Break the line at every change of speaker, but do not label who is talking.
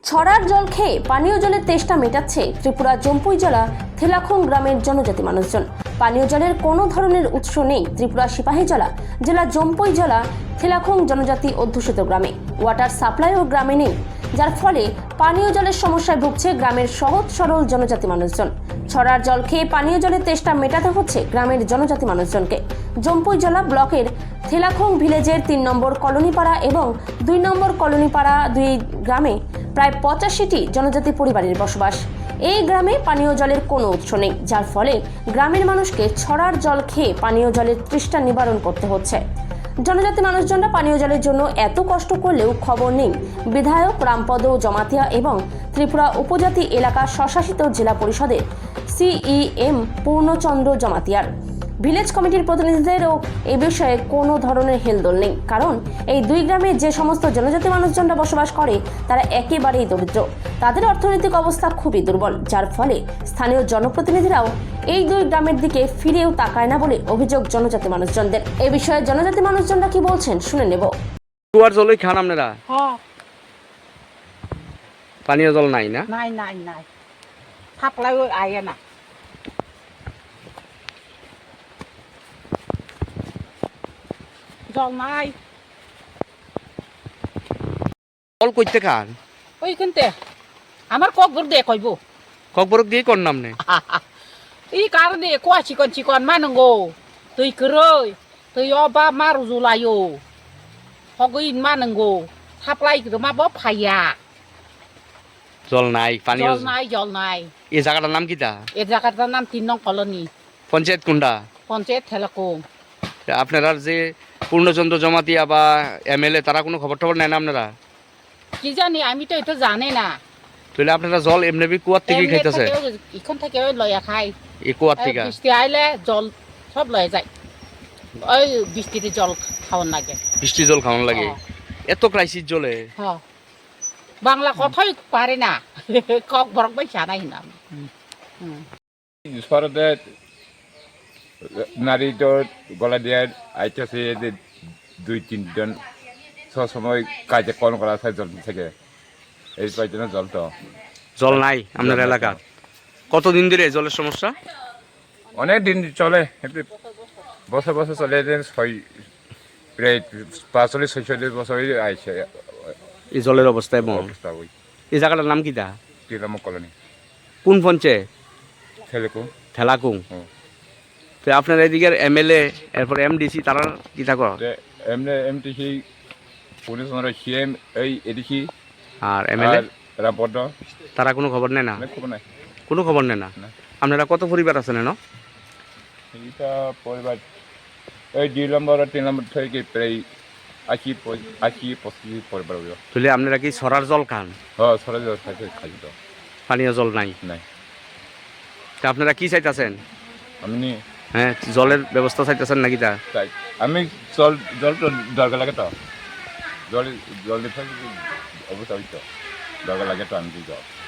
ছড়ার জল খেয়ে পানীয় জলের তেষ্টা মেটাচ্ছে ত্রিপুরা জম্পুই জেলা থেলাখং গ্রামের জনজাতি মানুষজন। পানীয় জলের কোনো ধরনের উৎস নেই ত্রিপুরা সিপাহীজলা জেলা জম্পুই জেলা থেলাখং জনজাতি অধ্যুষিত গ্রামে। ওয়াটার সাপ্লাইও গ্রামে নেই, যার ফলে পানীয় জলের সমস্যায় ভুগছে গ্রামের সহজ সরল জনজাতি মানুষজন। ছড়ার জল খেয়ে পানীয় জলের তেষ্টা মেটাতে হচ্ছে গ্রামের জনজাতি মানুষজনকে। জম্পুই জেলা ব্লকের থেলাখং ভিলেজের ৩ নম্বর কলোনিপাড়া এবং ২ নম্বর কলোনিপাড়া দুই গ্রামে প্রায় ৮৫টি জনজাতি পরিবারের বসবাস। এই গ্রামে পানীয় জলের কোনো উৎস নেই, যার ফলে গ্রামের মানুষকে ছড়ার জল খেয়ে পানীয় জলের তৃষ্ণা নিবারণ করতে হচ্ছে। জনজাতি মানুষজনরা পানীয় জলের জন্য এত কষ্ট করলেও খবর নেই বিধায়ক রামপদ জমাতিয়া এবং ত্রিপুরা উপজাতি এলাকা স্বশাসিত জেলা পরিষদের সিইএম পূর্ণচন্দ্র জমাতিয়ার। ভিলেজ কমিটির প্রতিনিধিদেরও এ বিষয়ে কোনো ধরনের হেলদোল নেই, কারণ এই দুই গ্রামে যে সমস্ত জনজাতি মানুষজনরা বসবাস করে তারা একেবারেই দরিদ্র। তাদের অর্থনৈতিক অবস্থা খুবই দুর্বল, যার ফলে স্থানীয় জনপ্রতিনিধিরাও এই দুই গ্রামের দিকে ফিরেও তাকায় না বলে অভিযোগ জনজাতি মানুষজনদের। এ বিষয়ে জনজাতি মানুষজনরা কি বলছেন শুনে নেব।
কুয়ার জলই খান আপনারা? পানীয় জল নাই না?
নাই নাই নাই, সাপ্লাই আয়ে না। জল নাই।
জল কইতে খান?
ওইখানতে আমার ককবর দে কইব।
ককবরক দিয়ে কোন নাম নে?
এই কারণে কোয়া চিকন চিকন মানঙ্গো তুই করই তুই অবা মারু জুলাইও হগইন মানঙ্গো সাপ্লাই করে মাবো ফাইয়া।
জল নাই, পানীয়
জল নাই, জল নাই।
এই জায়গাটার নাম কিটা?
এই জায়গাটার নাম ৩ নং কলোনি,
পঞ্চায়েত কোনটা?
পঞ্চায়েত থেলাখং।
আপনারা যে পূর্ণচন্দ্র জমাতিয়া বা এমএলএ তারা কোনো খবর টবর নেয় না আপনারা?
কি জানি, আমি তো এটা জানি না।
তাহলে আপনারা জল এমনি কুয়ার থেকে খাইতেছে?
এখন থেকে লয়া খাই।
এই কুয়ার থেকে
বৃষ্টি আইলে জল সব লয়ে যায়। ওই বৃষ্টিতে জল খাওয়ার লাগে,
বৃষ্টি জল খাওয়ান লাগে। এত ক্রাইসিস জলে
বাংলা কথাই পারে না। কক বরক বাই জানাই না।
সরতে নারীদের গলা দিয়ে আইতেছে ২-৩ জন সব সময় কাজে কল করা হয় জল থেকে। এই কয়েকজনে জল তো
জল নাই আপনার এলাকা? কতদিন ধরে জলের সমস্যা?
অনেক দিন চলে, বছর বছর চলে। প্রায় ৪৫-৪৬ বছর আইছে
এই জলের অবস্থা। এবং
অবস্থা। ওই
এই জায়গাটার নাম কিটা?
৩ নম্বর কলোনি,
কোন পঞ্চায়েত?
থেলাখং।
থেলাখং। তো আপনার এদিকের এমএলএ এরপর এমডিসি তারা কি থাকো?
এমটিসি পূর্ণচন্দ্র সিএম এই এডিসি
আর এমএলএ
রামপদ
তারা কোনো খবর নেয় না?
খবর নাই,
কোনো খবর নেয় না। আপনারা কত পরিবার আছেন?
এইটা পরিবার এই ২ নম্বর আর ৩ নম্বর থেকে প্রায় ৮০-৮৫ পরিবার।
তাহলে আপনারা কি ছড়ার জল খান?
হ্যাঁ, সরাই জল খাই তো।
পানীয় জল নাই?
নাই।
তা আপনারা কি চাইতেছেন?
আমি
হ্যাঁ, জলের ব্যবস্থা চাইতেছেন নাকি? তা
চাই আমি জল তো দরকার লাগে তো, জল দিতে অবস্থা হইতো দরকার লাগে তো আমি দিই জল।